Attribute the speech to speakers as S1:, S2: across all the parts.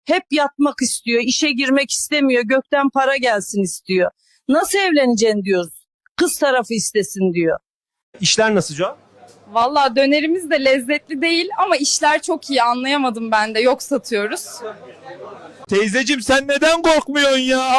S1: Hep yatmak istiyor, işe girmek istemiyor, gökten para gelsin istiyor. Nasıl evleneceksin diyoruz. Kız tarafı istesin diyor.
S2: İşler nasıl Joa?
S3: Vallahi dönerimiz de lezzetli değil ama işler çok iyi, anlayamadım ben de. Yok satıyoruz.
S2: Teyzeciğim sen neden korkmuyorsun ya?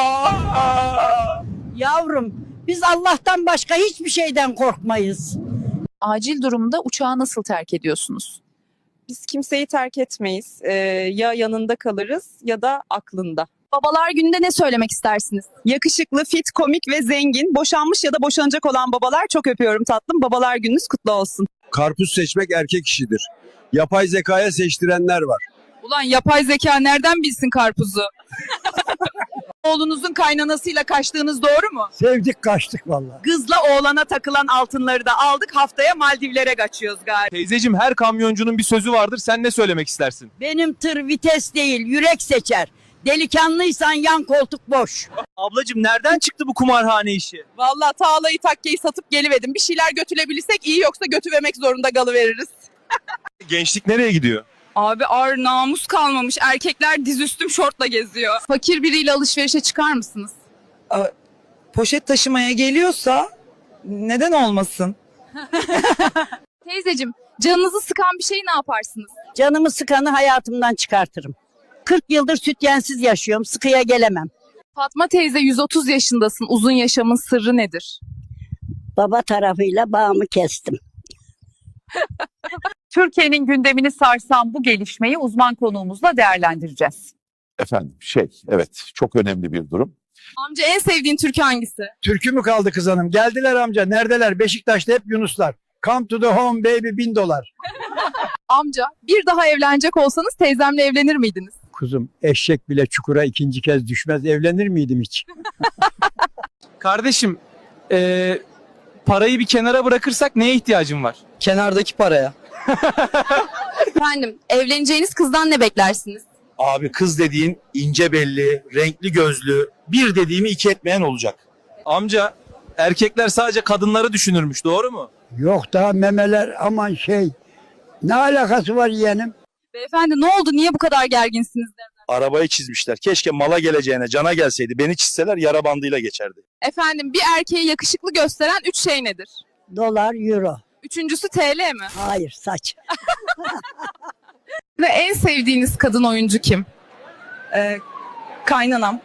S4: Yavrum, biz Allah'tan başka hiçbir şeyden korkmayız.
S5: Acil durumda uçağı nasıl terk ediyorsunuz?
S3: Biz kimseyi terk etmeyiz. Ya yanında kalırız ya da aklında.
S5: Babalar gününde ne söylemek istersiniz?
S3: Yakışıklı, fit, komik ve zengin, boşanmış ya da boşanacak olan babalar çok öpüyorum tatlım. Babalar gününüz kutlu olsun.
S6: Karpuz seçmek erkek işidir. Yapay zekaya seçtirenler var.
S3: Ulan yapay zeka nereden bilsin karpuzu? Oğlunuzun kaynanasıyla kaçtığınız doğru mu?
S4: Sevdik kaçtık vallahi.
S3: Kızla oğlana takılan altınları da aldık, haftaya Maldivlere kaçıyoruz galiba.
S2: Teyzeciğim her kamyoncunun bir sözü vardır. Sen ne söylemek istersin?
S4: Benim tır vites değil, yürek seçer. Delikanlıysan yan koltuk boş.
S2: Ablacığım nereden çıktı bu kumarhane işi?
S3: Vallahi tağlayı takkeyi satıp geliverdim. Bir şeyler götürebilirsek iyi, yoksa götüvermek zorunda kalıveririz.
S2: Gençlik nereye gidiyor?
S3: Abi ağır namus kalmamış. Erkekler dizüstüm şortla geziyor. Fakir biriyle alışverişe çıkar mısınız?
S7: Poşet taşımaya geliyorsa neden olmasın?
S5: Teyzeciğim, canınızı sıkan bir şeyi ne yaparsınız?
S4: Canımı sıkanı hayatımdan çıkartırım. 40 yıldır sütyensiz yaşıyorum, sıkıya gelemem.
S5: Fatma teyze 130 yaşındasın. Uzun yaşamın sırrı nedir?
S4: Baba tarafıyla bağımı kestim.
S8: Türkiye'nin gündemini sarsan bu gelişmeyi uzman konuğumuzla değerlendireceğiz.
S9: Efendim evet çok önemli bir durum.
S3: Amca en sevdiğin türkü hangisi?
S6: Türkü mü kaldı kız hanım? Geldiler amca. Neredeler? Beşiktaş'ta hep Yunuslar. Come to the home baby $1000.
S3: Amca bir daha evlenecek olsanız teyzemle evlenir miydiniz?
S6: Kuzum eşek bile çukura ikinci kez düşmez. Evlenir miydim hiç?
S2: Kardeşim parayı bir kenara bırakırsak neye ihtiyacın var?
S7: Kenardaki paraya.
S5: Efendim, evleneceğiniz kızdan ne beklersiniz?
S10: Abi kız dediğin ince belli, renkli gözlü, bir dediğimi iki etmeyen olacak.
S2: Amca erkekler sadece kadınları düşünürmüş, doğru mu?
S6: Yok daha memeler aman şey. Ne alakası var yeğenim?
S3: Beyefendi ne oldu? Niye bu kadar gerginsiniz?
S10: Arabayı çizmişler. Keşke mala geleceğine cana gelseydi. Beni çizseler yara bandıyla geçerdi.
S3: Efendim bir erkeği yakışıklı gösteren 3 şey nedir?
S4: Dolar, euro.
S3: Üçüncüsü TL mi?
S4: Hayır, saç.
S3: Ve en sevdiğiniz kadın oyuncu kim?
S7: Kaynanam.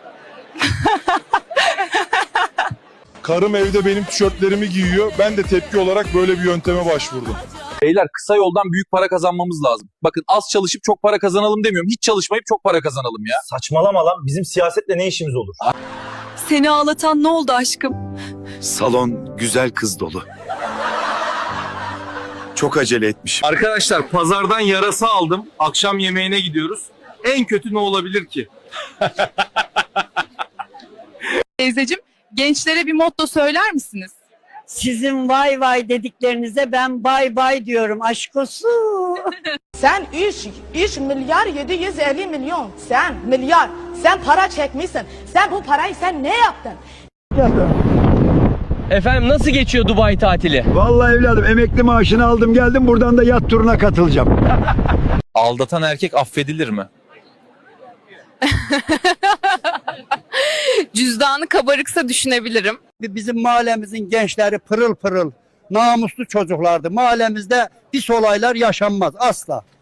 S6: Karım evde benim tişörtlerimi giyiyor. Ben de tepki olarak böyle bir yönteme başvurdum.
S9: Beyler kısa yoldan büyük para kazanmamız lazım. Bakın az çalışıp çok para kazanalım demiyorum. Hiç çalışmayıp çok para kazanalım ya.
S10: Saçmalama lan. Bizim siyasetle ne işimiz olur?
S3: Seni ağlatan ne oldu aşkım?
S10: Salon güzel kız dolu. Çok acele etmişim.
S2: Arkadaşlar pazardan yarasa aldım. Akşam yemeğine gidiyoruz. En kötü ne olabilir ki?
S3: Teyzeciğim gençlere bir motto söyler misiniz?
S4: Sizin vay vay dediklerinize ben bay bay diyorum. Aşk olsun.
S11: Sen 3 milyar 750 milyon. Sen milyar. Sen para çekmişsin. Sen bu parayı sen ne yaptın?
S12: Efendim nasıl geçiyor Dubai tatili?
S6: Vallahi evladım emekli maaşını aldım geldim buradan da yat turuna katılacağım.
S2: Aldatan erkek affedilir mi?
S3: Cüzdanı kabarıksa düşünebilirim.
S4: Bizim mahallemizin gençleri pırıl pırıl, namuslu çocuklardı. Mahallemizde pis olaylar yaşanmaz asla.